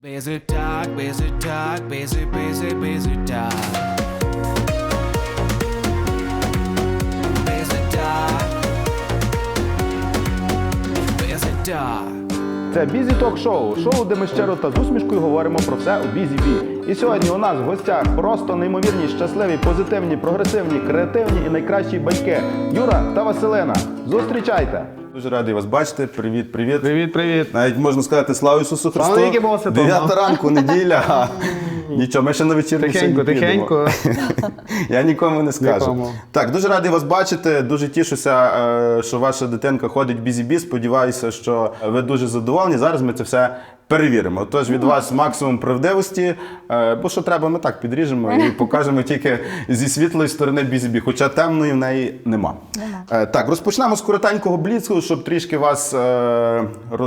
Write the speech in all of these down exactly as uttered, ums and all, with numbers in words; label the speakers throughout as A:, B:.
A: Busy talk, busy talk, busy, busy, busy talk. Busy talk. Busy talk.
B: Це Бізі Ток Шоу. Шоу, де ми щиро та з усмішкою говоримо про все у Бізі-Бі. І сьогодні у нас в гостях просто неймовірні, щасливі, позитивні, прогресивні, креативні і найкращі батьки Юра та Василина. Зустрічайте!
C: Дуже радий вас бачити. Привіт, привіт.
B: Привіт, привіт!
C: Навіть можна сказати слава Ісусу Христу.
B: Слава навіки Богу Святому.
C: Дев'ята ранку, неділя. Нічого, ми ще на вечірню
B: Тихенько,
C: сьогодні підемо.
B: тихенько.
C: Я нікому не скажу.
B: Нікому.
C: Так, дуже радий вас бачити. Дуже тішуся, е, що ваша дитинка ходить в Бізі-Бі. Сподіваюся, що ви дуже задоволені. Зараз ми це все перевіримо. Тож від вас максимум правдивості, е, бо що треба, ми так підріжемо і покажемо тільки зі світлої сторони Бізі-Бі, хоча темної в неї нема.
D: Нема.
C: Е, Так, розпочнемо з коротенького бліцу, щоб трішки вас е,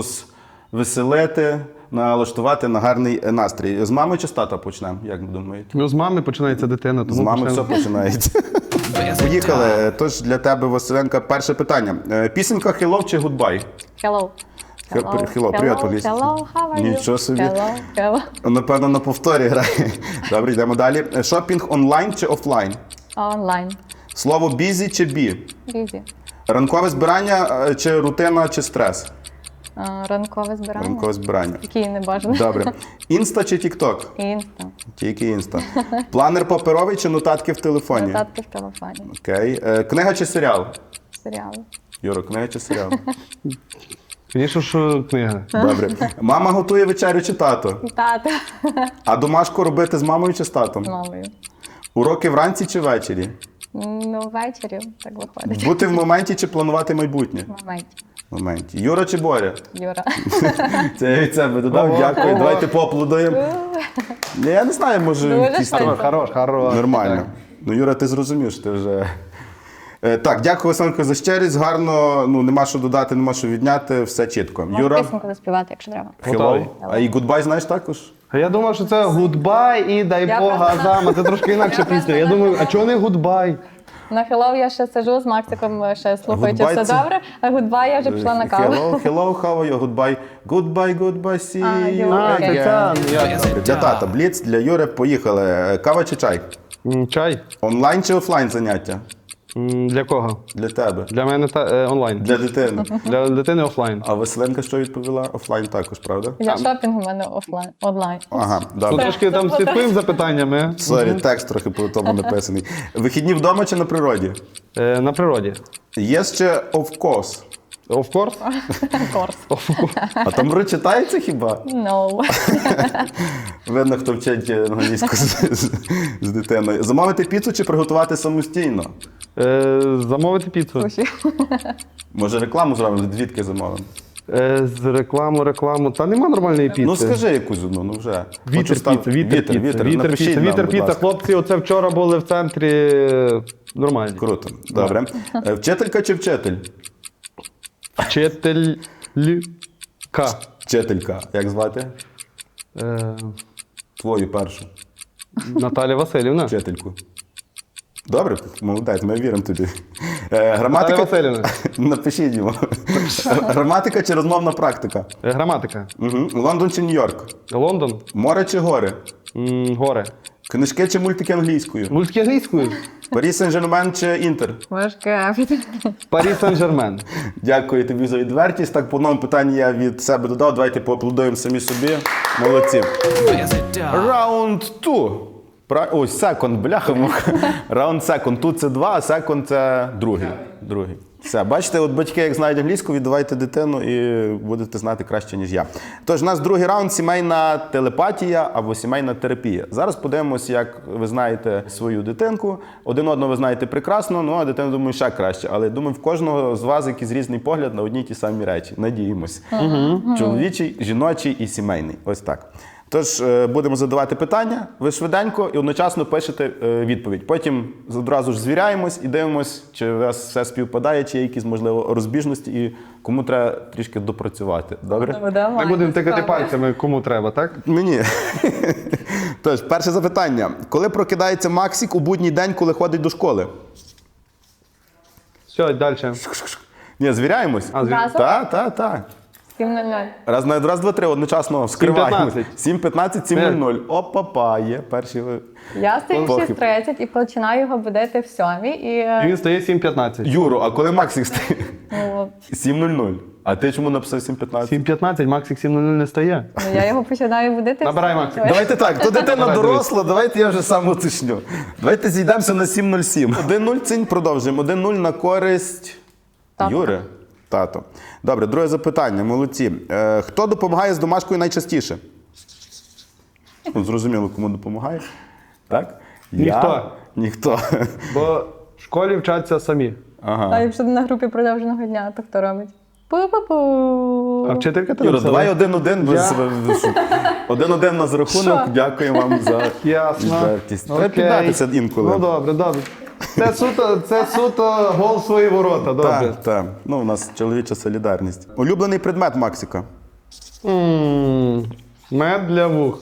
C: розвеселити, налаштувати на гарний настрій. З мами чи з тата почнемо, як ви думаєте?
B: Ну, з мами починається дитина, тому
C: З мами все
B: почнемо.
C: починається. Поїхали. Тож для тебе, Василенка, перше питання. Е, Пісенька «Hello» чи «Goodbye»?
D: Hello.
C: Hello, hello, привіт, по-англійськи.
D: Hello, how are you?
C: Нічого собі.
D: Hello, hello.
C: Напевно, на повторі грає. Добре, йдемо далі. Е, Шопінг онлайн чи офлайн?
D: Онлайн.
C: Слово «busy» чи «бі»?
D: Busy.
C: Ранкове збирання е, чи рутина чи стрес?
D: А, Ранкове збирання.
C: Ранкове збирання.
D: Який не бажано.
C: Добре. Інста чи тік-ток?
D: Інста.
C: Тільки інста. Планер паперовий чи нотатки в телефоні?
D: Нотатки в телефоні.
C: Окей. Е, Книга чи серіал?
D: Серіали.
C: Юро, книга чи серіал?
B: Звісно, що книга.
C: Добре. Мама готує вечерю чи тато?
D: Тата.
C: А домашку робити з мамою чи з татом?
D: З мамою.
C: Уроки вранці чи ввечері?
D: Ну, ввечері так виходить.
C: Бути в моменті чи планувати майбутнє?
D: В моменті.
C: В моменті. Юра чи Боря?
D: Юра.
C: Це я від себе додав.
B: Ого,
C: Дякую.
B: ого.
C: Давайте поаплодуємо. Ні, я не знаю, може
D: Дуже
C: якісь там
D: швидко.
B: Хорош, хорош.
C: нормально. Ну, Юра, ти зрозумів, що ти вже. Е, Так, дякую, Василенко, за щирість. Гарно, ну нема що додати, нема що відняти, все чітко.
D: Можу
C: Юра,
D: пісеньку заспівати, якщо треба.
B: Готовий.
C: hello. А і goodbye знаєш також?
B: А я думав, що це гудбай і дай
D: Я
B: Бога
D: просто-
B: Азама. Це трошки інакша пісня. Я думаю, а чого не гудбай?
D: На Hello я ще сиджу з Максиком, ще слухаю, чи
C: Goodbye
D: все
C: це-
D: добре, а Goodbye я вже пішла на каву.
C: Hello, hello, how are you? Goodbye. Goodbye, goodbye, see
D: А,
C: you
D: Юра,
B: А,
D: окей.
B: це
C: again.
B: це, я-
C: Добре, для тата, бліц, для Юри, поїхали. Е, Кава чи чай?
B: М, Чай?
C: Онлайн чи офлайн заняття?
B: М, Для кого?
C: Для тебе.
B: Для мене та, е, онлайн.
C: Для дитини.
B: Для дитини офлайн.
C: А Василенка що відповіла? Офлайн також, правда?
D: Я шопінг у мене офлайн, онлайн.
C: Ага,
B: Ну,
C: добре.
B: трошки там слідкуємо за питаннями.
C: Сорі, текст трохи по тому написаний. Вихідні вдома чи на природі?
B: Е, На природі.
C: Є ще of course.
B: Of course.
D: Курс.
C: А там ри читається хіба?
D: No.
C: Видно, хто вчить англійську з, з, з дитиною. Замовити піцу чи приготувати самостійно?
B: Е, Замовити піцу.
D: Суші.
C: Може рекламу зробимо? Звідки замовимо?
B: Е, З рекламу, рекламу. Та нема нормальної піци.
C: Ну скажи якусь одну, ну вже. Хочу
B: Вітер
C: став-
B: піца, вітер
C: вітер,
B: піца,
C: вітер,
B: вітер
C: Напишіть
B: піца,
C: нам,
B: вітер
C: будь
B: піца.
C: ласка.
B: Хлопці, оце вчора були в центрі. е, Нормально.
C: Круто, добре. Е, Вчителька чи вчитель?
B: Вчителька.
C: Вчителька. Як звати?
B: Е,
C: Твою першу
B: Наталя Васильівна.
C: вчительку. Добре, молодець, ми віримо тобі. Е,
B: Наталя
C: Граматика.
B: Васильівна.
C: Напишіть йому. Граматика чи розмовна практика?
B: Е, Граматика.
C: Угу. Лондон чи Нью-Йорк?
B: Лондон.
C: Море чи гори?
B: М, Горе.
C: Книжки чи мультики англійською?
B: Мультики англійською.
C: Парі Сен-Жермен чи Інтер?
D: Важке.
B: Парі Сен-Жермен.
C: Дякую тобі за відвертість. Так, по одному питанню я від себе додав. Давайте поаплодуємо самі собі. Молодці.
A: Busy talk.
C: Раунд ту. Ой, секунд, бляха. Раунд секунд. Тут це два, а секунд це другий. Другий. Все, бачите, от батьки, як знають англійську, віддавайте дитину і будете знати краще, ніж я. Тож, у нас другий раунд – сімейна телепатія або сімейна терапія. Зараз подивимося, як ви знаєте свою дитинку. Один одного ви знаєте прекрасно, ну а дитину, думаю, ще краще. Але, думаю, в кожного з вас якийсь різний погляд на одні й ті самі речі. Надіємось. Чоловічий, жіночий і сімейний. Ось так. Тож, е, будемо задавати питання, ви швиденько і одночасно пишете е, відповідь. Потім одразу ж звіряємось і дивимось, чи у вас все співпадає, чи є якісь, можливо, розбіжності і кому треба трішки допрацювати. Добре?
B: Ми будемо тикати пальцями, кому треба, так?
C: Мені. Тож, перше запитання. Коли прокидається Максик у будній день, коли ходить до школи?
B: Все, далі.
C: Ні, звіряємось?
B: А, звір-
D: Зразу?
C: Так, так, так.
D: сім нуль нуль.
C: Раз, на- раз, два, три, одночасно вскриваємо.
B: п'ятнадцять.
C: сім п'ятнадцять, сім нуль нуль. Опа-па, є перші. ви-
D: Я стою в
C: Похиб.
D: шість тридцять і починаю його будити в сьомій. І,
B: І
D: е,
B: він стає сім п'ятнадцять.
C: Юро, а коли Максик стає?
D: ну,
C: сім нуль нуль. А ти чому написав сім п'ятнадцять?
B: сім п'ятнадцять, Максик сім нуль нуль не стає.
D: ну, я його починаю будити. в
B: Набирай,
D: сьомій.
B: Максик.
C: Давайте так, то дитина
B: Давай,
C: доросла, давайте я вже сам уточню. Давайте зійдемося на сім нуль сім. один нуль цінь продовжуємо. один нуль на користь
D: Тато.
C: Юри. Тато. Добре, друге запитання. Молодці. Е, хто допомагає з домашкою найчастіше? Ну, зрозуміло, кому допомагає. Так?
B: Ніхто.
C: Я? Ніхто.
B: Бо в школі вчаться самі.
C: Ага.
D: А якщо на групі продовженого дня, то хто робить? Пу-пу-пу.
B: А вчителька ти
C: Юра,
B: написала?
C: давай один-один. без-
B: Я-
C: без- Один-один на рахунок.
D: Що?
C: Дякую вам за
B: Ясно.
C: відвертість. Треба
B: Окей.
C: піддатися інколи.
B: Ну добре, добре. Це суто, це суто гол в свої ворота, добре.
C: Так, так. Ну, у нас чоловіча солідарність. Улюблений предмет Максика.
B: М, Мед для вух.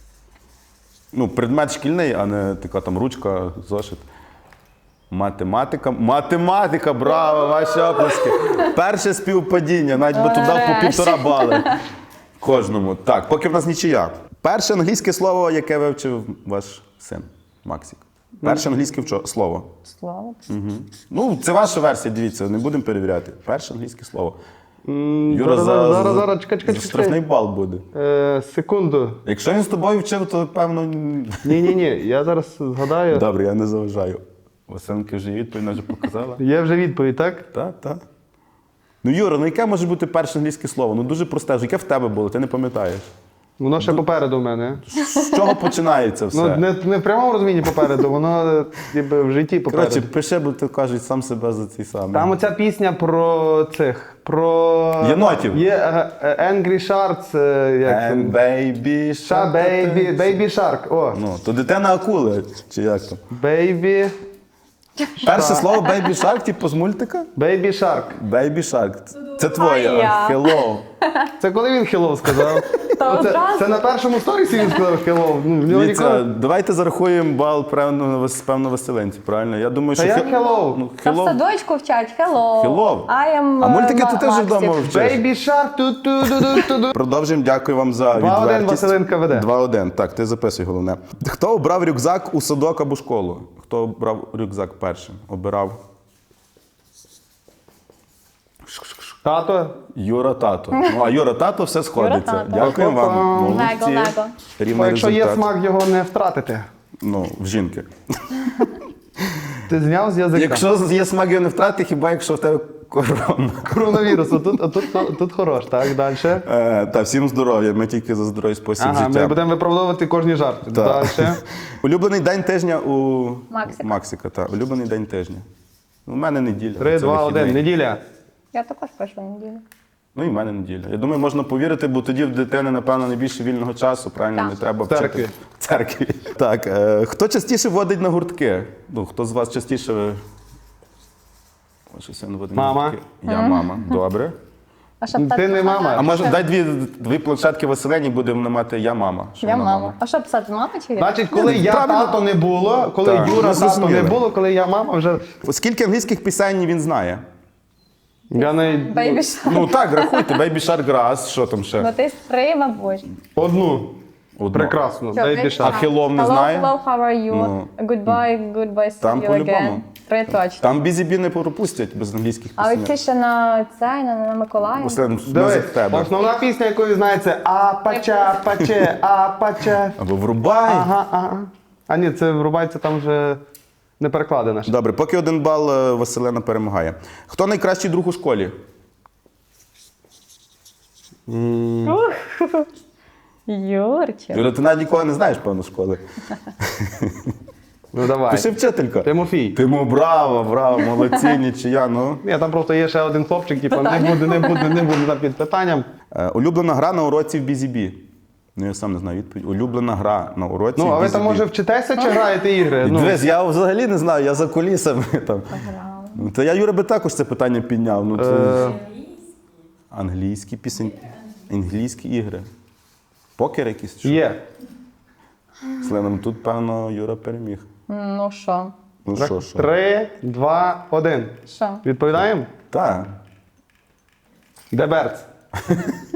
C: Ну, предмет шкільний, а не така там ручка, зошит. Математика. Математика, браво, ваші оплески. Перше співпадіння, навіть би туди по півтора бали. Кожному. Так, поки в нас нічия. Перше англійське слово, яке вивчив ваш син Максик. Перше англійське вчо- слово.
D: Слово.
C: Ну, це ваша версія, дивіться, не будемо перевіряти. Перше англійське слово.
B: М,
C: Юра,
B: зараз,
C: за,
B: зараз,
C: за-
B: зараз, чекай, чекай,
C: за
B: чекай.
C: штрафний бал буде.
B: Е, секунду.
C: Якщо він з тобою вчив, то певно.
B: Ні-ні-ні, я зараз згадаю.
C: Добре, я не заважаю. Васенки вже є відповідь, вона вже показала.
B: Є вже відповідь, так?
C: Так, так. Ну, Юра, ну яке може бути перше англійське слово? Ну дуже просте. ж. Яке в тебе було, ти не пам'ятаєш.
B: Воно ще попереду в мене.
C: З чого починається все?
B: Ну, не, не в прямому розумінні попереду, воно е, ніби в житті попереду.
C: Коротше, пиши, бо ти кажуть сам себе за цей самий.
B: Там оця пісня про цих, про...
C: Єнотів.
B: Є е, е, Angry Sharks, е, як це?
C: And baby
B: Ша,
C: shark.
B: baby, baby Shark, о.
C: Ну, то дитина акули, чи як там?
B: Baby,
C: Перше слово baby shark, типу з мультика?
B: baby Shark.
C: Baby shark. Це твоє.
D: А я?
C: Hello.
B: Це коли він hello сказав?
D: Та
B: Оце-
D: одразу.
B: це на першому сторісі він сказав hello. Ну, в нього
C: Дивіться,
B: ніколи...
C: давайте зарахуємо бал певно, певно Василенці, правильно? Я думаю,
B: Та
C: що...
B: як
C: хе-
B: hello?
C: Ну,
D: Та в
C: hello.
D: садочку вчать. Hello.
C: Hello.
D: I am
C: А мультики
D: uh,
C: ти теж
D: Maxi.
C: вдома вчиш?
B: Baby Shark, ту-ту-ду-ду-ту-ду.
C: Продовжуємо, дякую вам за
B: Два один,
C: відвертість.
B: Василенко веде.
C: два один, так, ти записуй головне. Хто обрав рюкзак у садок або школу? Хто обрав рюкзак першим? Обирав
B: Тато,
C: Юра Тато. Ну, а Юра Тато все сходиться.
D: Юра Тато.
C: Дякуємо вам. Молодці.
D: Лего, лего.
C: Рівний
B: бо якщо є
C: результат.
B: смак, його не втратити.
C: Ну, в жінки.
B: Ти зняв з язика.
C: Якщо є смак, його не втрати, хіба якщо в тебе корона.
B: Коронавірус, тут, а тут, тут хорош, так, далі.
C: Е, та всім здоров'я, ми тільки за здоровий спосіб
B: Ага,
C: життя.
B: ми будемо виправдовувати кожні жарти.
C: Так.
B: Далі.
C: Улюблений день тижня у
D: Максика.
C: Максика, так. Улюблений день тижня. У мене неділя.
B: Три,
C: це
B: два, один.
C: вихідний.
B: Неділя.
D: Я також пишу неділю.
C: Ну і в мене неділя. Я думаю, можна повірити, бо тоді в дитини, напевно, найбільше вільного часу, правильно,
D: Так.
C: не треба
B: В церкві.
C: вчити. В церкві. Так, е, хто частіше водить на гуртки? Ну, хто з вас частіше... Ось син водить
B: Мама.
C: на гуртки. Я мама. Добре.
D: А що
B: Ти
D: писати?
B: не мама.
C: А може, дай дві, дві планшетки Василені, будемо мати я мама. Що
D: Я
C: вона
D: мама. А що писати, мама чи я?
B: Значить, коли я
C: правильно.
B: тато не було, коли
C: Так,
B: Юра
C: ми
B: тато
C: зрозуміли.
B: не було, коли я мама вже.
C: Скільки англійських пісень він знає?
B: Я не
D: Baby Shark.
C: Ну так, рахуйте. Baby Shark Grass, що там ще?
D: Ну ти три, мабуть.
B: одну.
C: Одну.
B: Прекрасно.
D: Що,
B: Baby
D: Baby
B: Shark.
C: А Hello не
D: Hello,
C: знає?
D: hello, how are you?
C: Ну.
D: Goodbye, goodbye, see
C: Там
D: you
C: по-любому.
D: again. Три точно.
C: Там бізі-бі не пропустять без англійських
D: А
C: пісень.
D: от ці ще на це, на, на Миколая.
C: Василен,
B: Дивись,
C: ми за тебе.
B: основна пісня, яку ви знаєте, апача, паче, апача.
C: Або врубай.
B: Ага, ага. А ні, це врубається там вже не перекладено. ще.
C: Добре, поки один бал е, Василена перемагає. Хто найкращий друг у школі?
D: Юрчик.
C: Юра, ти навіть нікого не знаєш, певно, школи.
B: Ну давай.
C: Пиши вчителька.
B: Тимофій.
C: Тиму, браво, браво, молодці, нічия. Ну.
B: Ні, там просто є ще один хлопчик, типу, не буде, не буде, не буде там під питанням.
C: Е, улюблена гра на уроці в бізі-бі. Ну, я сам не знаю відповідь. Улюблена гра на уроці
B: Ну, а
C: в
B: ви
C: бізі-бі.
B: там може вчитеся чи граєте ігри? Ну,
C: Дивись, я взагалі не знаю, я за кулісами там. Ну, Та я Юра би також це питання підняв. Ну, це...
B: е,
C: Англійські пісень, англійські ігри. Покер якийсь? Що?
B: є.
C: Сленом, тут, певно, Юра переміг.
D: Ну що?
C: Ну що, що?
B: Три, два, один.
D: Що?
B: Відповідаємо?
C: Так.
B: Деберц.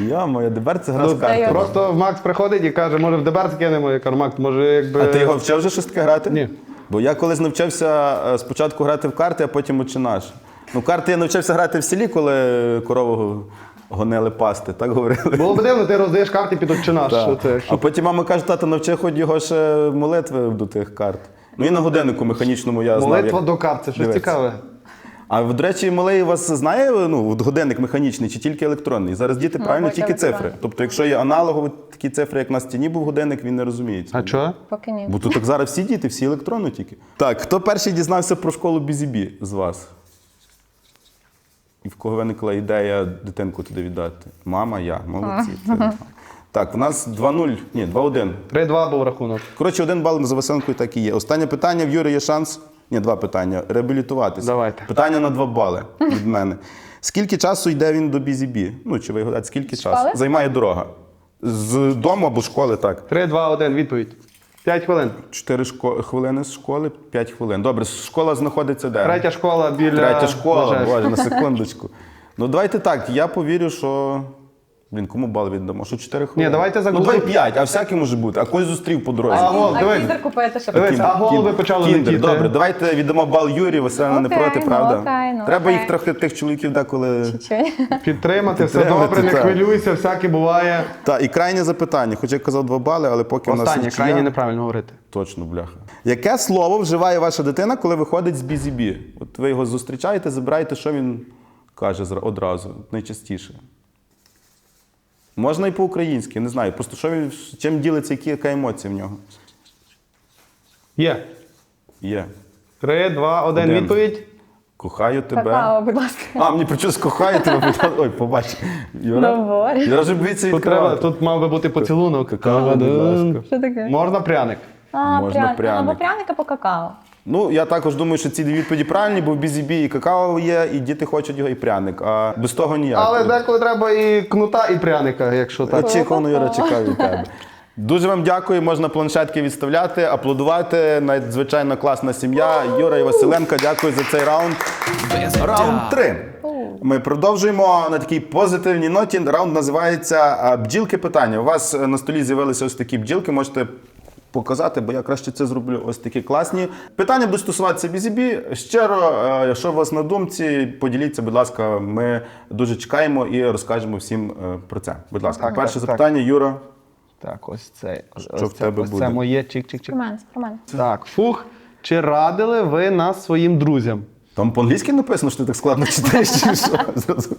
C: Йо-моє, Дебер це гра з
B: Ну,
C: картами.
B: просто Макс приходить і каже, може в Дебер скинемо. Я кажу, Макс, може якби...
C: А ти його вчив вже щось таке грати?
B: Ні.
C: Бо я колись навчався е, спочатку грати в карти, а потім «Отче наш». Ну, карти я навчився грати в селі, коли корову гонили пасти, так говорили?
B: Було б дивно, ти роздаєш карти під «Отче наш».
C: Так.
B: Що це?
C: А потім мама каже, тато, навчи хоч його ще молитви до тих карт. Ну і на годиннику механічному я знав,
B: Молитва
C: як
B: до карт, це щось
C: дивитися.
B: цікаве.
C: А, до речі, малий у вас знає, ну, от годинник механічний чи тільки електронний? Зараз діти правильно
D: Мабуть,
C: тільки
D: електронний.
C: цифри. Тобто, якщо є аналогові такі цифри, як на стіні був годинник, він не розуміє цього.
B: А чого?
D: Поки ні.
C: Бо тут так зараз всі діти, всі електронно тільки. Так, хто перший дізнався про школу Бізібі з вас? І в кого виникла ідея дитинку туди віддати? Мама, я. Молодці. Це... Так, у нас два нуль, ні, два один.
B: три-два був рахунок.
C: Коротше, один бал за Василенкою так і є. Останнє питання, в Юри є шанс, ні, два питання, реабілітуватися.
B: Давайте.
C: Питання на два бали від мене. Скільки часу йде він до Бізібі? Ну, чи ви гадаєте, скільки часу?
D: Школи?
C: Займає дорога. З дому або школи, так.
B: три-два-один, відповідь. п'ять хвилин.
C: Чотири шко... хвилини з школи, п'ять хвилин. Добре, школа знаходиться де?
B: Третя школа біля...
C: Третя школа,
B: Бажаєш.
C: боже, на секундочку. Ну, давайте так, я повірю, що... Блін, кому бал віддамо? Що чотири хвилини?
B: Ні, давайте
C: Ну,
B: загуглимо.
C: давай п'ять, а всяке може бути. А когось зустрів по дорозі.
B: А, гол,
D: А
B: дивись.
D: кіндер купити, щоб
B: Дивись, а голуби почали
C: Кіндер,
B: летіти.
C: добре, давайте віддамо бал Юрію, Василина не
D: Окей,
C: проти,
D: ну,
C: правда?
D: окей, ну,
C: Треба
D: окей.
C: їх трохи тих чоловіків деколи.
D: Чуть-чуть.
B: Підтримати, все
C: Підтримати,
B: добре, не
C: так.
B: хвилюйся, всяке буває.
C: Так, і крайнє запитання. Хоча я казав два бали, але поки в нас
B: Останнє,
C: нічия.
B: крайні неправильно говорити.
C: Точно, бляха. Яке слово вживає ваша дитина, коли виходить з бізібі? От ви його зустрічаєте, забираєте, що він каже зра- одразу, найчастіше? Можна і по-українськи, не знаю. Просто що він, чим ділиться, які, яка емоція в нього
B: Є.
C: є.
B: Три, два, один,
C: Один.
B: відповідь.
C: Кохаю тебе.
D: Какао, будь ласка.
C: А, мені причому кохаю тебе. Ой, побач. Юра,
D: Говори.
C: я вже боїться
B: Тут, треба,
C: відкривати.
B: тут мав би бути поцілунок.
C: Какао, будь ласка.
D: Що таке?
B: Можна пряник.
D: А,
C: Можна
D: пряник.
C: пряник.
D: Або пряник, або какао.
C: Ну, я також думаю, що ці дві відповіді правильні, бо в бізібі і какао є, і діти хочуть його, і пряник. А без того ніяк.
B: Але деколи треба і кнута, і пряника, якщо так.
C: Очікувано, Юра, чекаю від тебе. Дуже вам дякую, можна планшетки відставляти, аплодувати. Надзвичайно класна сім'я. Юра і Василенко, дякую за цей раунд. Раунд три. Ми продовжуємо на такій позитивній ноті. Раунд називається а, «Бджілки питання». У вас е, на столі з'явилися ось такі бджілки, можете показати, бо я краще це зроблю. Ось такі класні. Питання будуть стосуватися бізібі. Щиро, е, що у вас на думці, поділіться, будь ласка, ми дуже чекаємо і розкажемо всім е, про це. Будь ласка,
B: Так,
C: перше
B: так,
C: запитання, Юра.
B: Так, ось це.
C: Що
B: ось
C: в
B: це,
C: тебе
B: ось
C: буде?
B: це моє чик-чик-чик.
D: Про мене, про мене.
B: Так, фух. Чи радили ви нас своїм друзям?
C: Там по-англійськи написано, що ти так складно читаєш, чи що? Зразу.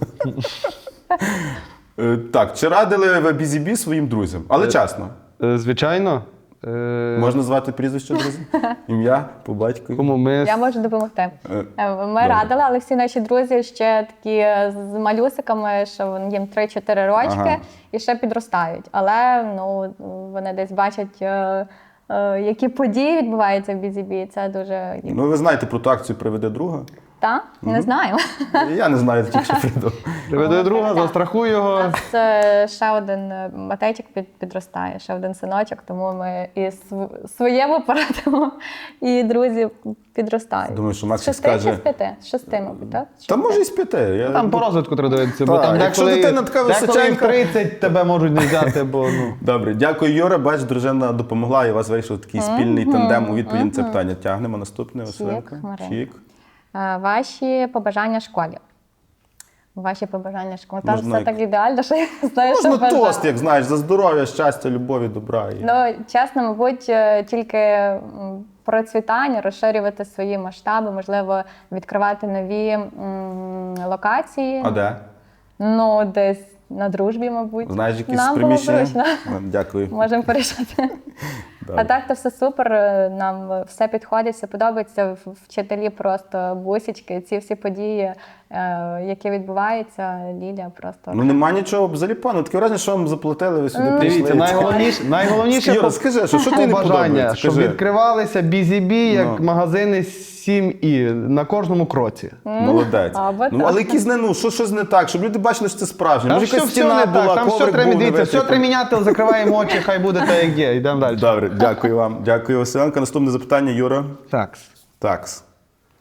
C: Е, Так, чи радили ви бізібі своїм друзям? Але чесно.
B: Е, Звичайно. Е,
C: Можна звати прізвище друзів? Ім'я по батькові?
B: Кому ми...
D: Я можу допомогти.
C: Е,
D: Е, Ми
C: добре.
D: радили, але всі наші друзі ще такі з малюсиками, що їм три-чотири рочки
C: Ага.
D: і ще підростають. Але ну, вони десь бачать, е, е, які події відбуваються в бізібі. Це дуже...
C: Ну, ви знаєте про ту акцію «Приведи друга»?
D: Та? Не знаю.
C: Я не знаю, тільки що придумав.
B: Приведе друга, застрахуй його.
D: Це ще один е, Матейчик під, підростає, ще один синочок, тому ми і св- своєму порадимо, і друзі підростають.
C: Думаю, що
D: З
C: Максик
D: шести
C: скаже-
D: чи з п'яти? З шести, мабуть, так? З
C: Та
D: шести.
C: може і з п'яти. Я...
B: Там по розвитку треба дивитися, бо
C: Так,
B: там
C: якщо
B: деколи,
C: дитина така
B: деколи і в
C: височенька-
B: тридцять тебе можуть не взяти, бо ну.
C: Добре, дякую, Юра. Бач, дружина допомогла, і у вас вийшов такий спільний тандем у відповідь на це питання. Тягнемо наступне. Василенко.
D: Марина.
C: Чік.
D: Е, Ваші побажання школі. Ваші побажання школі. Там
C: Можна
D: все
C: як-
D: так ідеально, що я не знаю, що
C: Можна
D: бажати.
C: тост, як знаєш, за здоров'я, щастя, любові, добра. І...
D: Ну, чесно, мабуть, е, тільки м, процвітання, розширювати свої масштаби, можливо, відкривати нові м, локації.
C: А де?
D: Ну, десь на дружбі, мабуть.
C: Знаєш якісь
D: Нам
C: приміщення?
D: було зручно.
C: Ну, Дякую.
D: Можемо порішати.
C: Добре.
D: А так то все супер. Нам все підходить, все подобається. В- Вчителі просто бусічки, ці всі події, е, які відбуваються, Ліля просто.
C: Ну нема нічого взагалі пану. Таке враження, що вам заплатили, ви сюди прийшли.
B: Дивіться, найголовніше, найголовніше
C: Юра,
B: по-
C: скажи, що, що тобі не
B: побажання,
C: подобається?
B: щоб
C: Скажи.
B: відкривалися бізібі, як
C: Ну.
B: магазини сім і на кожному кроці.
C: Молодець.
D: Або
C: Ну,
D: так.
C: але якісь не, ну, що, щось не так, щоб люди бачили, що це справжнє.
B: Там
C: Може,
B: все,
C: якась
B: все
C: стіна
B: не
C: була,
B: так, там все
C: коврик
B: треба
C: був
B: дивитися, все
C: невитертий.
B: треба міняти, закриваємо очі, хай буде так, як є. Йдемо далі.
C: Добре, дякую вам. Дякую, Василенко. Наступне запитання, Юра.
B: Так.
C: Такс.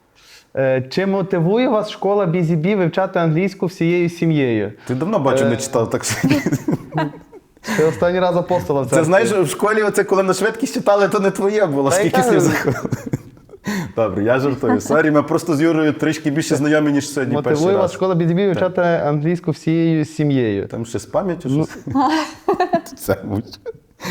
E: Е, Чи мотивує вас школа Бізі-Бі вивчати англійську всією сім'єю?
C: Ти давно бачу, не читав так що.
E: Це останній раз апостола в
C: Це
E: церкві.
C: знаєш, в школі оце, коли на швидкість читали, то не твоє було,
E: Та й
C: скільки
E: кажу.
C: слів заходило. Добре, я жартую. Сорі, ми просто з Юрою трішки більше знайомі, ніж сьогодні перший
E: Мотивує вас
C: раз.
E: школа Бізі-Бі вивчати англійську всією сім'єю.
C: Там ще з пам'яттю щось. Це будь.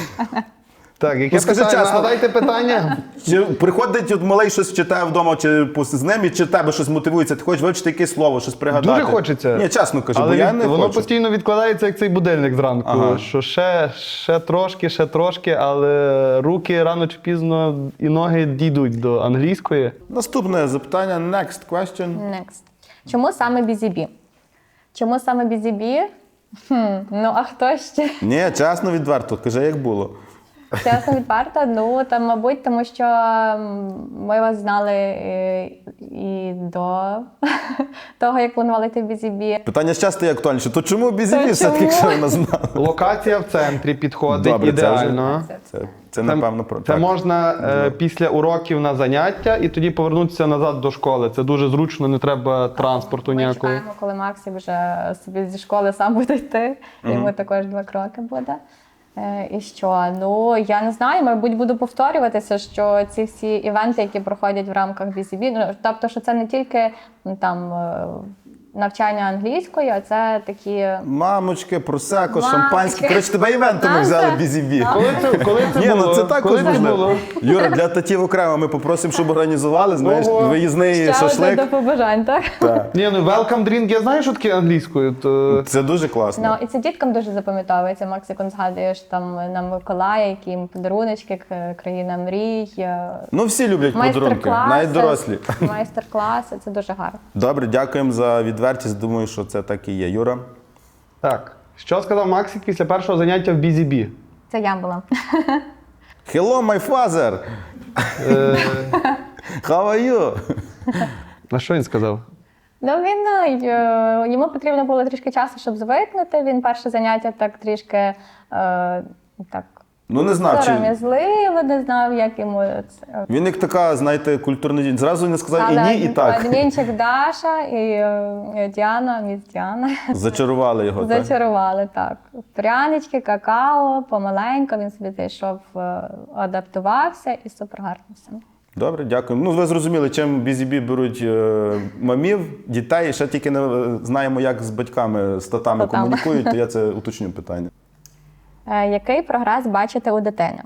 E: Так, яке
C: Ну, скажи
E: питання?
C: чесно.
E: Нагадайте питання.
C: Чи приходить от малий щось читає вдома, чи пос- з ним, і чи тебе щось мотивується, ти хочеш вивчити якесь слово, щось пригадати?
E: Дуже хочеться.
C: Ні, чесно кажу,
E: Але
C: бо я
E: від-
C: не
E: воно
C: хочу.
E: постійно відкладається, як цей будильник зранку.
C: Ага.
E: Що ще, ще трошки, ще трошки, але руки рано чи пізно і ноги дійдуть до англійської.
C: Наступне запитання, next question.
D: Next. Чому саме Бізі-Бі? Чому саме Бізі-Бі? Хм, ну а хто ще?
C: Ні, чесно, відверто, кажи, як було.
D: Чесно відверто, ну там, мабуть, тому що м, ми вас знали і, і до того, як планували йти в Бізі-Бі.
C: Питання часто і актуальніше. То чому
D: То
C: бізі все-таки,
D: чому?
C: якщо ви нас знали?
E: Локація в центрі підходить
C: Добре, це вже-
E: ідеально.
C: Це, це напевно, про
E: Це
C: так.
E: можна е, після уроків на заняття і тоді повернутися назад до школи. Це дуже зручно, не треба транспорту
D: Ми
E: ніякого.
D: чекаємо, коли Максі вже собі зі школи сам буде йти. Йому також два кроки буде. Е, І що? Ну, я не знаю, мабуть, буду повторюватися, що ці всі івенти, які проходять в рамках Бізі-Бі, ну, тобто, що це не тільки ну, там е, навчання англійської, а це такі.
C: Мамочки, просеко,
D: Мамочки.
C: шампанське. Коротше, тебе івентами
D: Нам
C: взяли
D: це-
C: бізі-бі.
E: Коли це, коли це
C: Ні,
E: було?
C: ну це також
E: коли це
C: можливо.
E: було?
C: Юра, для татів окремо ми попросимо, щоб організували, знаєш,
E: Ого.
C: виїзний
D: Ще одне
C: шашлик.
D: до побажань, так?
C: Так.
E: Ні, ну welcome drink, я знаю, що таке англійською. То...
C: Це дуже
D: Ну,
C: класно.
D: і це діткам дуже запам'ятовується. Макс, як он згадуєш там на Миколая, які їм подаруночки, к- країна мрій, е,
C: Ну, всі люблять подарунки,
D: майстер-класи.
C: навіть дорослі.
D: Майстер-класи, це дуже гарно.
C: Добре, дякуємо за відвертість. Думаю, що це так і є. Юра?
E: Так. Що сказав Максик після першого заняття в Бізі-Бі?
D: Це я була.
C: Hello, my father!
E: Е,
C: How are you?
E: на що він сказав?
D: Ну він е, йому потрібно було трішки часу, щоб звикнути. Він перше заняття так трішки е, так
C: Ну, не знав, чи...
D: сором'язливо, не знав, як йому це.
C: Він як така, знаєте, культурна дінь. Зразу не сказав і
D: Але
C: ні, і так.
D: Адмінчик Даша і е, Діана, міс Діана.
C: Зачарували його, так?
D: Зачарували, так. Прянички, какао, помаленько, він собі зайшов, е, адаптувався і супер гарно все.
C: Добре, дякую. Ну, ви зрозуміли, чим бізі-бі беруть е, мамів, дітей. Ще тільки не е, знаємо, як з батьками, з татами
D: Татами.
C: комунікують, то я це уточню питання.
D: Е, Який прогрес бачите у дитини?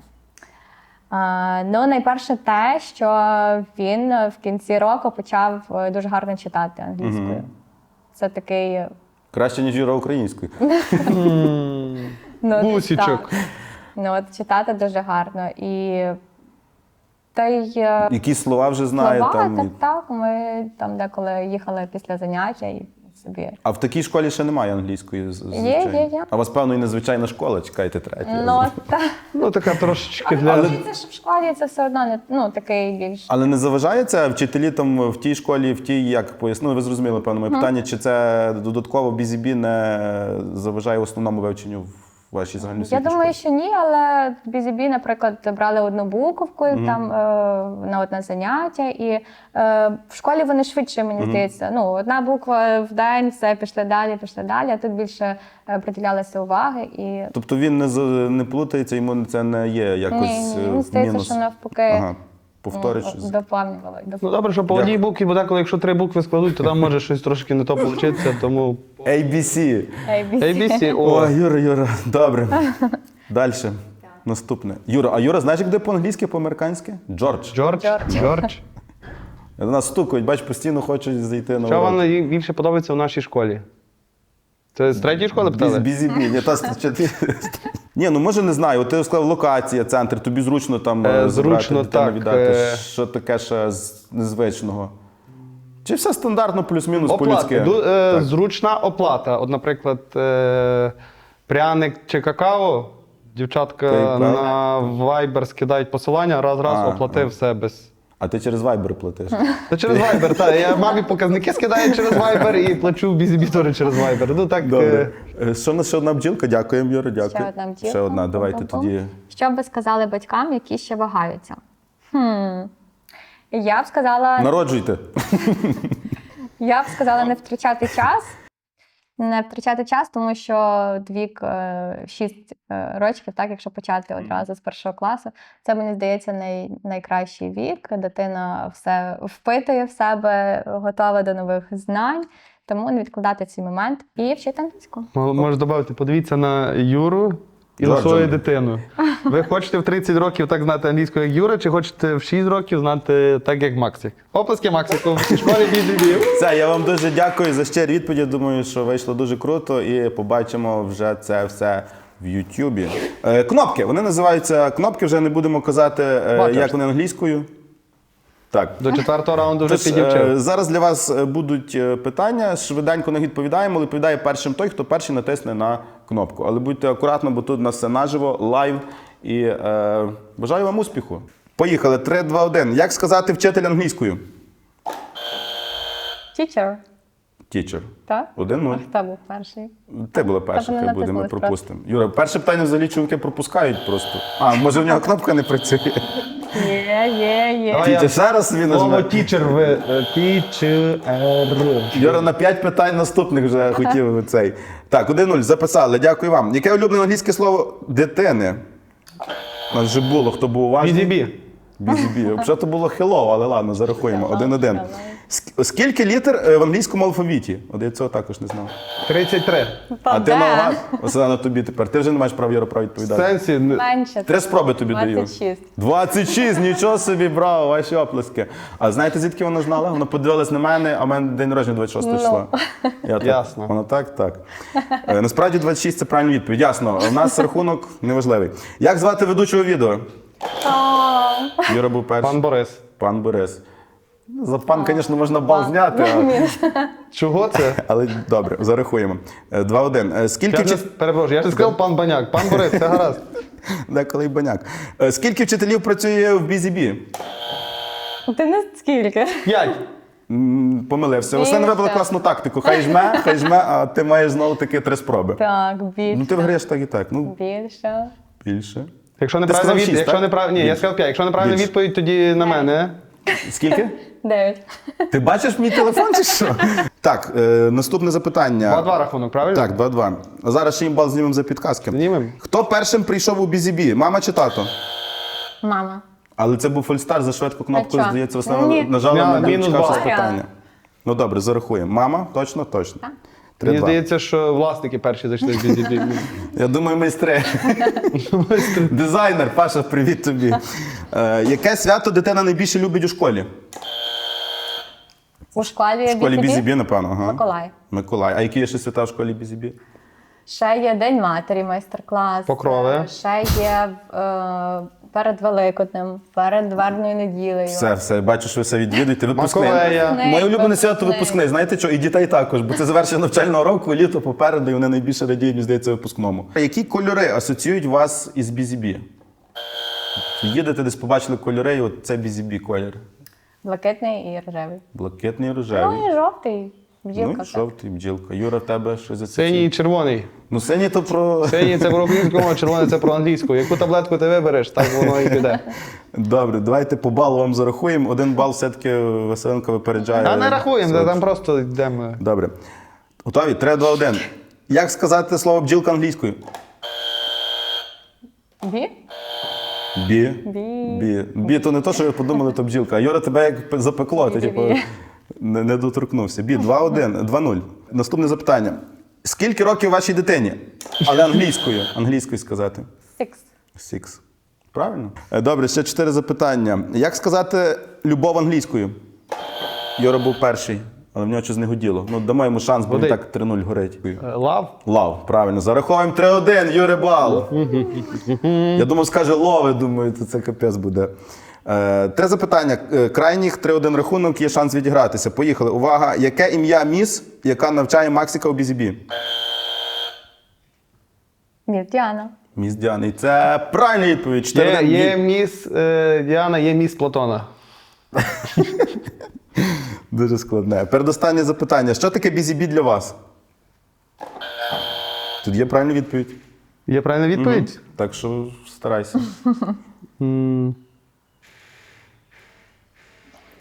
D: Е, Ну, найперше те, що він в кінці року почав е, дуже гарно читати англійською. Це такий.
C: Краще, ніж Юра українською.
D: Ну,
E: Гусічок.
D: так. Ну, от читати дуже гарно. І та й е,
C: Які слова вже знає
D: слова,
C: там.
D: так,
C: і-
D: так. Ми там деколи їхали після заняття і собі.
C: А в такій школі ще немає англійської, з- звичайно.
D: є, є.
C: А у вас, певно, і незвичайна школа, чекайте третя.
D: Ну, так.
E: Ну, така трошечки
D: Але
E: для...
D: це ж в школі це все одно не ну, такий більш.
C: Але не заважає це вчителі там в тій школі, в тій, як пояснили, ви зрозуміли, певно, моє питання, чи це додатково бізі-бі не заважає основному вивченню в вашій
D: Я
C: загальноосвітній
D: думаю,
C: школі?
D: що ні, але в Бізі-Бі, наприклад, брали одну буковку там е, на одне заняття, і е, в школі вони швидше, мені здається. Ну, одна буква в день, все, пішли далі, пішли далі, а тут більше е, приділялося уваги. І
C: Тобто він не, за- не плутається, йому це не є якось
D: ні, ні,
C: е,
D: мені здається,
C: мінус?
D: що навпаки
C: Ага, повториш.
D: м, доповнювали.
E: Ну, добре, що по одній букві, бо деколи, якщо три букви складуть, то там може щось трошки не то получиться, тому...
C: ей бі сі.
D: ей бі сі.
E: ей бі сі,
C: О,
E: о,
C: Юра, Юра, добре. Далі. Наступне. Юра, а Юра, знаєш, як де по-англійськи, по-американськи? Джордж.
E: Джордж,
D: Джордж.
E: Джордж.
C: До нас стукають, бач, постійно хочуть зайти на
E: Що
C: урок.
E: вам найбільше подобається в нашій школі? Це з третьої школи питали?
C: Бізі-бі. Ні, та, чи ти- Ні, ну може не знаю. От ти сказав локація, центр, тобі зручно там
E: Е,
C: е, забрати
E: зручно,
C: дитину,
E: так,
C: віддати.
E: е.
C: Що таке ще з незвичного? Чи все стандартно, плюс-мінус
E: Оплата.
C: по-людськи?
E: Ду- е,
C: Так.
E: Зручна оплата. От, наприклад, е, пряник чи какао, дівчатка
C: PayPal.
E: на Viber скидають посилання, раз-раз
C: А,
E: оплатив
C: а.
E: все без.
C: А ти через Viber платиш?
E: Та через Viber, так. Я мамі показники скидаю через Viber і плачу в Бізі-Бі теж через Viber. Ну так.
C: Добре.
E: е,
C: Е, Що у нас ще одна бджілка? Дякуємо, Юра, дякую.
D: Ще одна бджілка.
C: Ще одна, давайте
D: Пум-пум-пум.
C: тоді.
D: Що б ви сказали батькам, які ще вагаються? Хм. Я б сказала,
C: Народжуйте.
D: я б сказала не втрачати час. Не втрачати час, тому що вік е, шість е, років, так, якщо почати одразу з першого класу, це, мені здається, най, найкращий вік. Дитина все впитує в себе, готова до нових знань, тому не відкладати цей момент і вчити англійську.
E: М- Можеш додати, подивіться на Юру і на
C: Джорджа.
E: свою дитину. Ви хочете в тридцять років так знати англійську, як Юра, чи хочете в шість років знати так, як Максик? Оплески Максику в школі бі зі бі.
C: Все, я вам дуже дякую за щирі відповіді. Думаю, що вийшло дуже круто і побачимо вже це все в Ютубі. Е, кнопки. Вони називаються кнопки, вже не будемо казати, е,
E: Бачиш.
C: як вони англійською. Так.
E: До четвертого раунду вже
C: Тож, е,
E: підівчив.
C: зараз для вас е, будуть е, питання. Швиденько на них відповідаємо. але Відповідає першим той, хто перший натисне на кнопку. Але будьте акуратно, бо тут у нас все наживо, лайв. І е, бажаю вам успіху. Поїхали. три, два, один. Як сказати вчитель англійською?
D: Teacher,
C: Teacher.
D: так?
C: Один-нуль.
D: А хто був перший?
C: Ти була перша,
D: Та вони
C: хай буде, ми
D: натиснули
C: пропустимо. Юра, перше питання взагалі чоловіки пропускають просто. А, може в нього кнопка не працює?
D: Є, є, є.
E: Давай я
C: Тітя, ще раз собі
E: Слово
C: нажме.
E: тічер ви. Тічер.
C: Юра на п'ять питань наступних вже хотів цей. Так, один-нуль, записали. Дякую вам. Яке улюблене англійське слово дитини? У нас вже було, хто був уважний.
E: Бі-зі-бі.
C: Бі-зі-бі. Взагалі то було hello, але ладно, зарахуємо.
D: Hello,
C: Один-один.
D: hello.
C: Ск- Скільки літер е, в англійському алфавіті? От я цього також не знав.
E: тридцять три.
C: А ти
D: де?
C: наугад? Ось на тобі тепер. Ти вже не маєш права, Юра, права
E: В
C: відповідати.
E: сенсі. не-
D: Менше.
C: Три спроби тобі даю.
D: двадцять шість.
C: двадцять шість, нічого собі, браво, ваші оплески. А знаєте, звідки вона знала? Вона подивилась на мене, а в мене день народження двадцять шостого
D: Ну.
C: числа. Я так,
E: Ясно.
C: Вона так, так. Е, Насправді двадцять шість – це правильна відповідь. Ясно, у нас рахунок неважливий. Як звати ведучого відео? Юра був перший.
E: Пан Борис.
C: Пан Борис. За пан, звісно, можна бал зняти, а-
E: Чого це?
C: але добре, зарахуємо. Е, два-один. Е, Скільки
E: Я
C: вчит-
E: ж перепрошую, я ж сказав пан Баняк. Пан Борис, це гаразд.
C: Деколи й баняк. Е, Скільки вчителів працює в Бізі-Бі?
D: Ти не скільки?
E: П'ять.
C: М, Помилився. Останнє
D: Більше.
C: вибрала класну тактику. Хай жме, хай жме, а ти маєш знову таки три спроби.
D: Так, більше.
C: Ну ти виграєш так і так. Ну,
D: Більше.
C: більше.
E: Якщо
C: Ти
E: неправильна
C: сказав
E: відповідь,
C: шість,
E: якщо
C: так?
E: неправ... Ні, я
C: Більше.
E: сказав п'ять. Якщо неправильна
C: Більше.
E: відповідь, тоді на мене.
C: Скільки?
D: Дев'ять.
C: Ти бачиш мій телефон чи що? Так, е, наступне запитання.
E: Два-два рахунок, правильно?
C: Так, два-два. А зараз ще їм бал знімемо за підказки.
E: Знімемо.
C: Хто першим прийшов у Бізі-Бі? Мама чи тато?
D: Мама.
C: Але це був фольстар, за швидку кнопку,
D: А що?
C: здається, основно
D: Ні.
C: нажала
E: Мя-
C: на
E: мінус
C: дочекавшись
E: бал.
C: питання. Ну добре, зарахуємо. Мама? Точно, точно.
D: Так.
E: Мені
C: Три-два.
E: здається, що власники перші зайшли в бі-зі-бі.
C: Я думаю, майстри. Дизайнер, Паша, привіт тобі. Е, яке свято дитина найбільше любить у школі?
D: У школі
C: В школі
D: бі зі бі?
C: Бізібі, напевно. Ага.
D: Миколай.
C: Миколай. А які є ще свята в школі Бізібі?
D: Ще є День матері, майстер-клас.
E: Покрови.
D: Е, Ще є е, перед Великоднем, перед Вербною неділею.
C: Все, все, бачу, що ви все відвідуєте. Випускний.
E: Маковея.
C: Моє улюблене свято
D: Випускний.
C: випускний. Знаєте що? І дітей також, бо це завершення навчального року, літо попереду, і вони найбільше радіють, мені здається, випускному. Які кольори асоціюють вас із Бізібі? Їдете десь, побачили кольори, і от це Бізібі колір.
D: Блакитний і рожевий.
C: Блакитний, рожевий.
D: Ну і жовтий. Бджілка.
C: Ну,
D: так.
C: жовтий, бджілка. Юра, в тебе що за
E: Синій і червоний.
C: Ну, синій то про...
E: Синій це про українську мову, червоний це про англійську. Яку таблетку ти вибереш, так воно і піде.
C: Добре, давайте по балу вам зарахуємо. Один бал все-таки Василенко випереджає.
E: А не рахуємо,
C: Все.
E: там просто йдемо.
C: Добре. Готові? три, два, один. Як сказати слово бджілка англійською?
D: Бі?
C: Бі.
D: Бі.
C: Бі. Бі, то не то, що ви подумали, то бджілка. А Юра тебе як запекло, ти
D: Бі-бі-бі.
C: типу не, не доторкнувся. Бі, два, один, два, нуль. Наступне запитання. Скільки років вашій дитині? Але англійською. Англійською сказати.
D: Сікс.
C: Six. Правильно? Е, Добре, ще чотири запитання. Як сказати любов англійською? Юра був перший, але в нього щось не годіло. Ну, дамо йому шанс, бо він
E: Годить.
C: так три нуль горить.
E: Лав?
C: Лав, правильно. Зараховуємо три один, Юрий бал. Я думав, скаже лови, думаю, то це капець буде. Е, Три запитання. Е, Крайніх три один рахунок, є шанс відігратися. Поїхали. Увага. Яке ім'я міс, яка навчає Максика у Бізібі?
D: Міс Діана.
C: Міс Діана. І це правильна відповідь. чотири
E: Є,
C: один.
E: є міс е, Діана, є міс Платона.
C: Дуже складне. Передостаннє запитання. Що таке Бізібі для вас? Тут є правильна відповідь.
E: Є правильна відповідь?
C: Так що старайся.
E: М,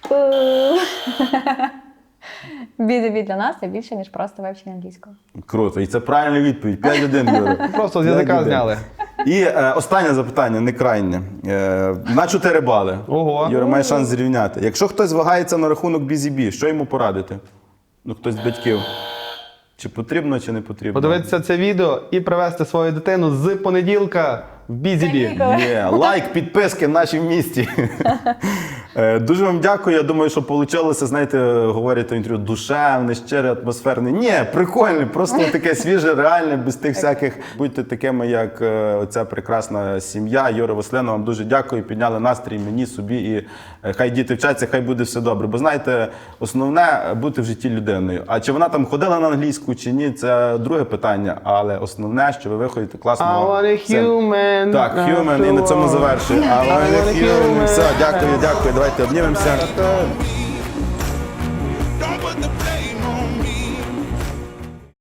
D: Бі-зі-бі для нас це більше, ніж просто вивчення англійського.
C: Круто. І це правильна відповідь. п'ять один, Юра.
E: Просто з
C: п'ять
E: язика
C: один.
E: зняли.
C: І е, останнє запитання, не крайнє. Е, на чотири бали.
E: Ого.
C: Юра має шанс зрівняти. Якщо хтось вагається на рахунок бі-зі-бі, що йому порадити? Ну, хтось з батьків. Чи потрібно, чи не потрібно?
E: Подивитися це відео і привезти свою дитину з понеділка в бі-зі-бі.
C: Є, лайк, підписки в нашій місті. Е, Дуже вам дякую. Я думаю, що вийшло, знаєте, говорять в інтерв'ю, душевне, щире, атмосферне. Ні, прикольне, просто таке свіже, реальне, без тих всяких. Будьте такими, як е, оця прекрасна сім'я. Юра Василена, вам дуже дякую. Підняли настрій мені, собі. І е, хай діти вчаться, хай буде все добре. Бо знаєте, основне – бути в житті людиною. А чи вона там ходила на англійську, чи ні, це друге питання. Але основне, що ви виходите
E: I
C: класного
E: want a
C: сина.
E: human.
C: Так, human, і на цьому завершую. I want a human. Все, дякую, дякую. Давайте обнімемося.